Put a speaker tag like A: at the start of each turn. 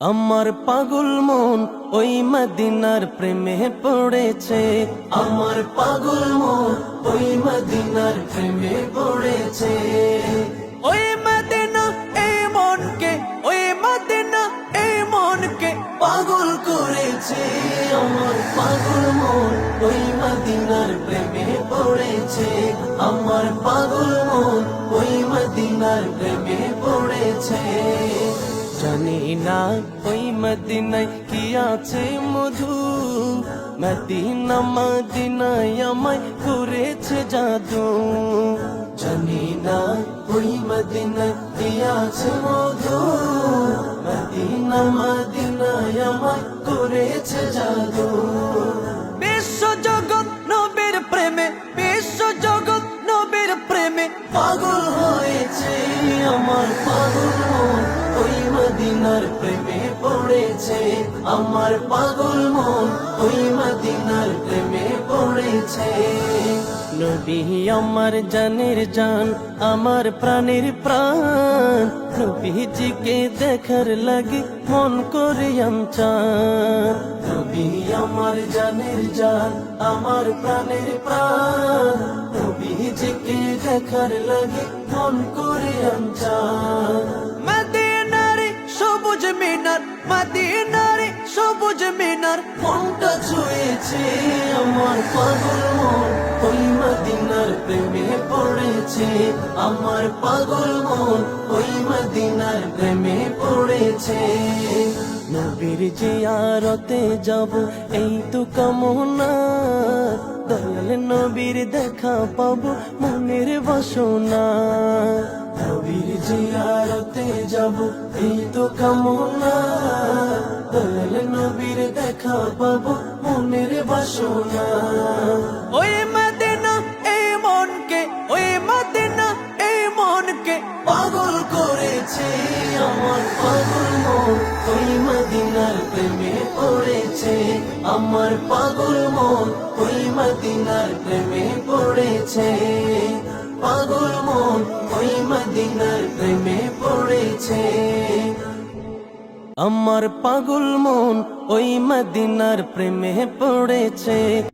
A: আমার পাগল মন ওই মদিনার প্রেমে পড়েছে। আমার পাগল মন ওই মদিনার প্রেমে পড়েছে। ওই মদিনা এই মনকে, ওই মদিনা এই মনকে পাগল করেছে। আমার পাগল মন ওই মদিনার প্রেমে পড়েছে। আমার পাগল মন ওই মদিনার প্রেমে পড়েছে। জানি না ওই মদিনায় কি আছে মধু, মদিনা মদিনায় আমায় করেছে জাদু। জানি না ওই মদিনায় কি আছে মধু, মদিনা মদিনায় আমায় করেছে জাদু। বিশ্ব জগৎ নবীর প্রেমে, বিশ্ব জগৎ নবীর প্রেমে পাগল হয়েছে। আমার পাগল মন ওই মদিনার প্রেমে পড়েছে। আমার পাগল মন ওই মদিনার প্রেমে পড়েছে। নবী আমার জানের জান, আমার প্রাণের প্রাণ, নবীজিকে দেখার লাগে মন করে চান। নবী আমার জানের জান, আমার প্রাণের প্রাণ, নবীজিকে দেখার লাগে মন করে চান। মদিনারে সবুজ মিনার, মদিনারে সবুজ মিনার মনটা ছুঁয়েছে। আমার পাগল মন ওই মদিনার প্রেমে পড়েছে। আমার পাগল মন ওই মদিনার প্রেমে পড়েছে। নবীর জিয়ারতে যাব এই তো কামনা, দয়াল নবীর দেখা পাবো মনের বাসনা। নবীর জিয়ারতে যাব এই তো কামনা, দয়াল নবীর দেখা পাবো মনের বাসনা। ওই মদিনা এই মনকে, ওই মদিনা এই মনকে পাগল করেছে। আমার পাগল মন ওই মদিনার প্রেমে পড়েছে। আমার পাগল মন ওই মদিনার প্রেমে পড়েছে। পাগল মন ওই মদিনার প্রেমে পড়েছে। আমার পাগল মন ওই মদিনার প্রেমে পড়েছে।